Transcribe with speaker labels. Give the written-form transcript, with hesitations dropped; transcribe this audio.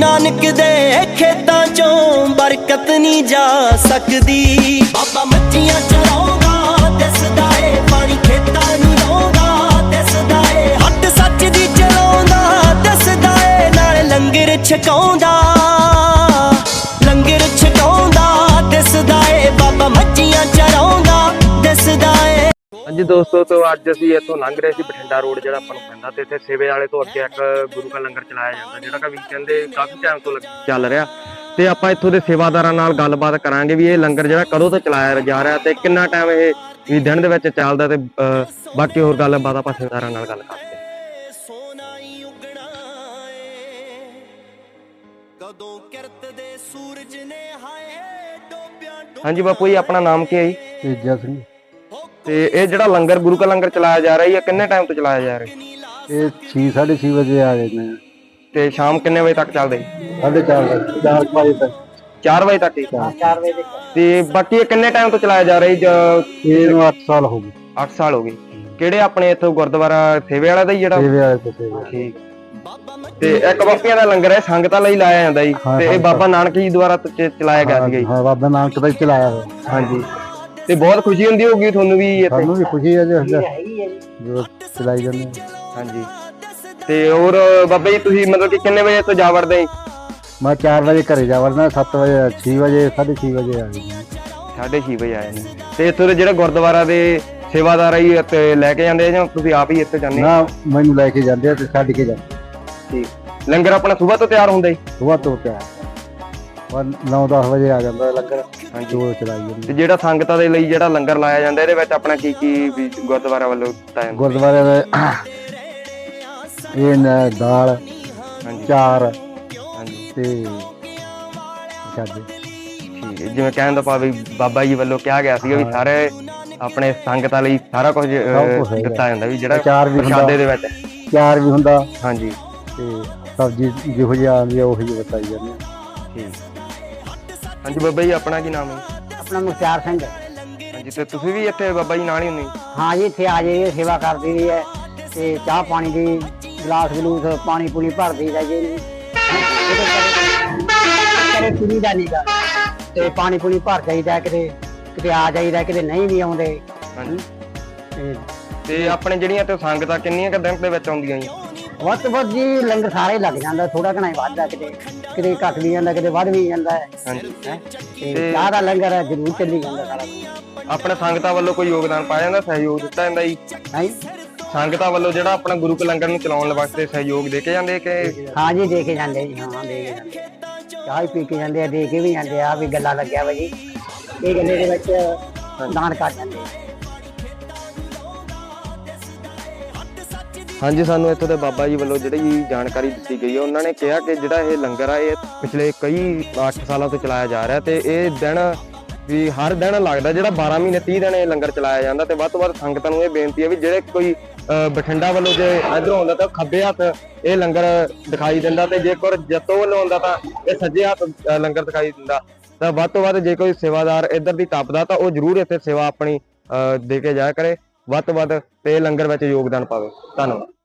Speaker 1: नानक दे खेतां चों बरकत नहीं जा सकदी। बाबा मच्छियां चराउंदा दसदा ए पानी खेतां नूं लाउंदा दसदा ए हट सच दी चलाउंदा दसदा ए नाल लंगर छकाउंदा दसदा ए बाबा मच्छियां चराउंदा दसदा ए।
Speaker 2: ਹਾਂਜੀ ਦੋਸਤੋ, ਤੋਂ ਅੱਜ ਅਸੀਂ ਇੱਥੋਂ ਲੰਘ ਰਹੇ ਸੀ ਬਠਿੰਡਾ ਰੋਡ ਜਿਹੜਾ ਆਪਾਂ ਨੂੰ ਪੈਂਦਾ, ਤੇ ਇੱਥੇ ਸੇਵੇ ਵਾਲੇ ਤੋਂ ਅੱਗੇ ਇੱਕ ਗੁਰੂ ਕਾ ਲੰਗਰ ਚਲਾਇਆ ਜਾਂਦਾ ਜਿਹੜਾ ਕਿ ਵੀਕਐਂਡ ਦੇ ਕਾਫੀ ਟਾਈਮ ਤੋਂ ਚੱਲ ਰਿਹਾ। ਤੇ ਆਪਾਂ ਇੱਥੋਂ ਦੇ ਸੇਵਾਦਾਰਾਂ ਨਾਲ ਗੱਲਬਾਤ ਕਰਾਂਗੇ ਵੀ ਇਹ ਲੰਗਰ ਜਿਹੜਾ ਕਦੋਂ ਤੋਂ ਚਲਾਇਆ ਜਾ ਰਿਹਾ ਤੇ ਕਿੰਨਾ ਟਾਈਮ ਇਹ ਵੀ ਦਿਨ ਦੇ ਵਿੱਚ ਚੱਲਦਾ, ਤੇ ਬਾਕੀ ਹੋਰ ਗੱਲਬਾਤ ਆਪਾਂ ਸੇਵਾਦਾਰਾਂ ਨਾਲ ਗੱਲ ਕਰਦੇ ਹਾਂ। ਹਾਂਜੀ ਬਾਪੂ ਜੀ, ਆਪਣਾ ਨਾਮ ਕੀ ਹੈ ਜੀ?
Speaker 3: ਤੇਜਾ ਸਿੰਘ।
Speaker 2: ਤੇ ਇਹ ਜਿਹੜਾ ਲੰਗਰ ਗੁਰੂ ਕਾ ਲੰਗਰ ਚਲਾਇਆ ਜਾ ਰਿਹਾ ਹੈ ਕਿੰਨੇ ਟਾਈਮ ਤੋਂ ਚਲਾਇਆ ਜਾ ਰਿਹਾ?
Speaker 3: ਇਹ 6:30 ਵਜੇ ਆ ਜਾਂਦੇ ਆ
Speaker 2: ਤੇ ਸ਼ਾਮ ਕਿੰਨੇ ਵਜੇ ਤੱਕ ਚੱਲਦਾ ਜੀ?
Speaker 3: 4:30 ਵਜੇ ਤੱਕ।
Speaker 2: 4 ਵਜੇ ਤੱਕ ਹੀ?
Speaker 3: 4 ਵਜੇ ਤੱਕ।
Speaker 2: ਤੇ ਬਾਕੀ ਇਹ ਕਿੰਨੇ ਟਾਈਮ ਤੋਂ ਚਲਾਇਆ ਜਾ ਰਿਹਾ ਜੀ?
Speaker 3: ਇਹਨੂੰ 8 ਸਾਲ ਹੋ ਗਏ।
Speaker 2: 8 ਸਾਲ ਹੋ ਗਏ। ਕਿਹੜੇ ਆਪਣੇ ਇੱਥੋਂ ਗੁਰਦੁਆਰਾ ਸੇਵੇ ਵਾਲਾ ਦਾ ਹੀ ਜਿਹੜਾ?
Speaker 3: ਸੇਵੇ ਵਾਲੇ ਤੋਂ ਸੇਵੇ।
Speaker 2: ਠੀਕ। ਤੇ ਇੱਕ ਬਾਪੀਆਂ ਦਾ ਲੰਗਰ ਹੈ, ਸੰਗਤਾਂ ਲਈ ਲਾਇਆ ਜਾਂਦਾ ਜੀ, ਤੇ ਇਹ ਬਾਬਾ ਨਾਨਕ ਜੀ ਦੁਆਰਾ ਚਲਾਇਆ ਗਿਆ ਸੀਗਾ ਜੀ?
Speaker 3: ਹਾਂ, ਬਾਬਾ ਨਾਨਕ ਦਾ ਹੀ ਚਲਾਇਆ ਹੋਇਆ।
Speaker 2: ਹਾਂਜੀ। ਤੇ ਬਹੁਤ ਖੁਸ਼ੀ ਹੁੰਦੀ ਹੋਊਗੀ ਤੁਹਾਨੂੰ ਵੀ ਇੱਥੇ?
Speaker 3: ਸਾਨੂੰ ਵੀ ਖੁਸ਼ੀ ਹੈ ਜੀ ਜੋ ਚਲਾਈ ਜਾਂਦੇ।
Speaker 2: ਹਾਂਜੀ। ਤੇ ਹੋਰ ਬਾਬਾ ਜੀ ਤੁਸੀਂ ਮਤਲਬ ਕਿ ਕਿੰਨੇ ਵਜੇ ਤੋਂ ਜਾ ਵੜਦੇ ਜੀ?
Speaker 3: ਮੈਂ 4 ਵਜੇ ਘਰੇ ਜਾ ਵੜਨਾ, 7 ਵਜੇ 6 ਵਜੇ 6:30 ਵਜੇ ਆ ਜਾਂਦੇ।
Speaker 2: 6:30 ਵਜੇ ਆਏ ਨੇ। ਤੇ ਇੱਥੋਂ ਦੇ ਜਿਹੜੇ ਗੁਰਦੁਆਰਾ ਦੇ ਸੇਵਾਦਾਰ ਹੀ ਇੱਥੇ ਲੈ ਕੇ ਜਾਂਦੇ ਜਾਂ ਤੁਸੀਂ ਆਪ ਹੀ ਇੱਥੇ ਜਾਂਦੇ?
Speaker 3: ਨਾ, ਮੈਨੂੰ ਲੈ ਕੇ ਜਾਂਦੇ ਆ ਤੇ ਛੱਡ ਕੇ ਜਾਂਦੇ।
Speaker 2: ਠੀਕ। ਲੰਗਰ ਆਪਣਾ ਸੁਬਾਹ ਤੋਂ ਤਿਆਰ ਹੁੰਦਾ ਜੀ?
Speaker 3: ਸੁਬਾਹ ਤੋਂ ਤਿਆਰ 9-10 ਵਜੇ ਆ ਜਾਂਦਾ ਲੰਗਰ। ਹਾਂਜੀ, ਉਹ ਚਲਾਈ ਜਾਂਦੇ।
Speaker 2: ਤੇ ਜਿਹੜਾ ਸੰਗਤਾਂ ਦੇ ਲਈ ਜਿਹੜਾ ਲੰਗਰ ਲਾਇਆ ਜਾਂਦਾ ਇਹਦੇ ਵਿੱਚ ਆਪਣਾ ਕੀ ਕੀ ਵੀ ਗੁਰਦੁਆਰਾ ਵੱਲੋਂ ਦਿੱਤਾ ਜਾਂਦਾ?
Speaker 3: ਗੁਰਦੁਆਰੇ ਦੇ ਇਹ ਦਾਲ, ਚਾਰ ਤੇ ਪ੍ਰਸ਼ਾਦੇ।
Speaker 2: ਠੀਕ ਹੈ। ਜਿਵੇਂ ਕਹਿਣ ਦਾ ਭਾਵ ਬਾਬਾ ਜੀ ਵੱਲੋਂ ਕਿਹਾ ਗਿਆ ਸੀਗਾ ਵੀ ਸਾਰੇ ਆਪਣੇ ਸੰਗਤਾਂ ਲਈ ਸਾਰਾ ਕੁਝ ਦਿੱਤਾ ਜਾਂਦਾ, ਵੀ ਜਿਹੜਾ ਪ੍ਰਸ਼ਾਦੇ ਦੇ ਵਿੱਚ
Speaker 3: ਚਾਰ ਵੀ ਹੁੰਦਾ।
Speaker 2: ਹਾਂਜੀ।
Speaker 3: ਤੇ ਸਬਜ਼ੀ ਜਿਹੋ ਜਿਹੀ ਆਉਂਦੀ ਆ ਉਹੀ ਬਤਾਈ ਜਾਂਦੇ ਆ।
Speaker 2: ਠੀਕ। ਹਾਂਜੀ ਬਾਬਾ ਜੀ, ਆਪਣਾ ਕੀ ਨਾਮ ਹੈ?
Speaker 4: ਆਪਣਾ ਮੁਖਤਿਆਰ ਸਿੰਘ।
Speaker 2: ਹਾਂਜੀ। ਤੇ ਤੁਸੀਂ ਵੀ ਇੱਥੇ ਬਾਬਾ ਜੀ ਨਾਲ ਹੀ ਹੁੰਦੇ?
Speaker 4: ਹਾਂ ਜੀ, ਇੱਥੇ ਆ ਜਾਈਏ, ਸੇਵਾ ਕਰਦੀ ਦੀ ਹੈ ਤੇ ਚਾਹ ਪਾਣੀ ਦੀ ਗਲਾਸ ਗਲੂਸ ਪਾਣੀ ਪੂਣੀ ਭਰਦੀ ਦਾ ਜੀ। ਕਦੇ ਕੁੜੀ ਦਾ ਨੀਗਾ ਤੇ ਪਾਣੀ ਪੂਣੀ ਭਰ ਜਾਈਦਾ, ਕਿਤੇ ਕਿਤੇ ਆ ਜਾਈਦਾ, ਕਿਤੇ ਨਹੀਂ ਵੀ ਆਉਂਦੇ।
Speaker 2: ਹਾਂਜੀ। ਤੇ ਆਪਣੇ ਜਿਹੜੀਆਂ ਤੇ ਸੰਗਤਾਂ ਕਿੰਨੀਆਂ ਕੁ ਦਿਨ ਦੇ ਵਿੱਚ ਆਉਂਦੀਆਂ ਜੀ?
Speaker 4: ਵੱਧ ਤੋਂ ਵੱਧ ਜੀ ਲੰਗਰ ਸਾਰੇ ਲੱਗ ਜਾਂਦਾ, ਥੋੜਾ ਘਣਾ ਹੀ ਵੱਧਦਾ, ਕਿਤੇ ਕਿਤੇ ਘੱਟ ਵੀ ਜਾਂਦਾ, ਕਿਤੇ ਵੱਧ ਵੀ ਜਾਂਦਾ ਹੈ।
Speaker 2: ਹਾਂਜੀ।
Speaker 4: ਤੇ ਚਾਹ ਦਾ ਲੰਗਰ ਜ਼ਰੂਰ ਚੱਲੀ ਜਾਂਦਾ ਸਾਰਾ ਕੁਝ।
Speaker 2: ਆਪਣੇ ਸੰਗਤਾਂ ਵੱਲੋਂ ਕੋਈ ਯੋਗਦਾਨ ਪਾਇਆ ਜਾਂਦਾ, ਸਹਿਯੋਗ ਦਿੱਤਾ ਜਾਂਦਾ ਜੀ? ਸੰਗਤਾਂ ਵੱਲੋਂ ਜਿਹੜਾ ਆਪਣਾ ਗੁਰੂ ਕੇ ਲੰਗਰ ਨੂੰ ਚਲਾਉਣ ਵਾਸਤੇ ਸਹਿਯੋਗ ਦੇ ਕੇ ਜਾਂਦੇ ਕਿ?
Speaker 4: ਹਾਂ ਜੀ, ਦੇ ਕੇ ਜਾਂਦੇ ਜੀ। ਹਾਂ, ਦੇ ਕੇ ਜਾਂਦੇ, ਚਾਹ ਹੀ ਪੀ ਕੇ ਜਾਂਦੇ ਆ, ਦੇ ਕੇ ਵੀ ਜਾਂਦੇ ਆ। ਵੀ ਗੱਲਾਂ ਲੱਗਿਆ ਵਾ ਜੀ, ਇਹ ਗੱਲੇ ਦੇ ਵਿੱਚ ਦਾਨ ਕਰ ਜਾਂਦੇ ਆ।
Speaker 2: ਹਾਂਜੀ, ਸਾਨੂੰ ਇੱਥੋਂ ਦੇ ਬਾਬਾ ਜੀ ਵੱਲੋਂ ਜਿਹੜੀ ਜਾਣਕਾਰੀ ਦਿੱਤੀ ਗਈ ਹੈ, ਉਹਨਾਂ ਨੇ ਕਿਹਾ ਕਿ ਜਿਹੜਾ ਇਹ ਲੰਗਰ ਆ ਇਹ ਪਿਛਲੇ ਕਈ 8 ਸਾਲਾਂ ਤੋਂ ਚਲਾਇਆ ਜਾ ਰਿਹਾ, ਤੇ ਇਹ ਦਿਨ ਵੀ ਹਰ ਦਿਨ ਲੱਗਦਾ, ਜਿਹੜਾ 12 ਮਹੀਨੇ 30 ਦਿਨ ਇਹ ਲੰਗਰ ਚਲਾਇਆ ਜਾਂਦਾ। ਤੇ ਵੱਧ ਤੋਂ ਵੱਧ ਸੰਗਤਾਂ ਨੂੰ ਇਹ ਬੇਨਤੀ ਹੈ ਵੀ ਜਿਹੜੇ ਕੋਈ ਬਠਿੰਡਾ ਵੱਲੋਂ ਜੇ ਇੱਧਰੋਂ ਆਉਂਦਾ ਤਾਂ ਖੱਬੇ ਹੱਥ ਇਹ ਲੰਗਰ ਦਿਖਾਈ ਦਿੰਦਾ, ਤੇ ਜੇਕਰ ਜੱਤੋਂ ਵੱਲੋਂ ਆਉਂਦਾ ਤਾਂ ਇਹ ਸੱਜੇ ਹੱਥ ਲੰਗਰ ਦਿਖਾਈ ਦਿੰਦਾ। ਤਾਂ ਵੱਧ ਤੋਂ ਵੱਧ ਜੇ ਕੋਈ ਸੇਵਾਦਾਰ ਇੱਧਰ ਦੀ ਟੱਪਦਾ ਤਾਂ ਉਹ ਜ਼ਰੂਰ ਇੱਥੇ ਸੇਵਾ ਆਪਣੀ ਦੇ ਕੇ ਜਾਇਆ ਕਰੇ ਵੱਧ ਤੋਂ ਵੱਧ, ਤੇ ਲੰਗਰ ਵਿੱਚ ਯੋਗਦਾਨ ਪਾਵੇ। ਧੰਨਵਾਦ।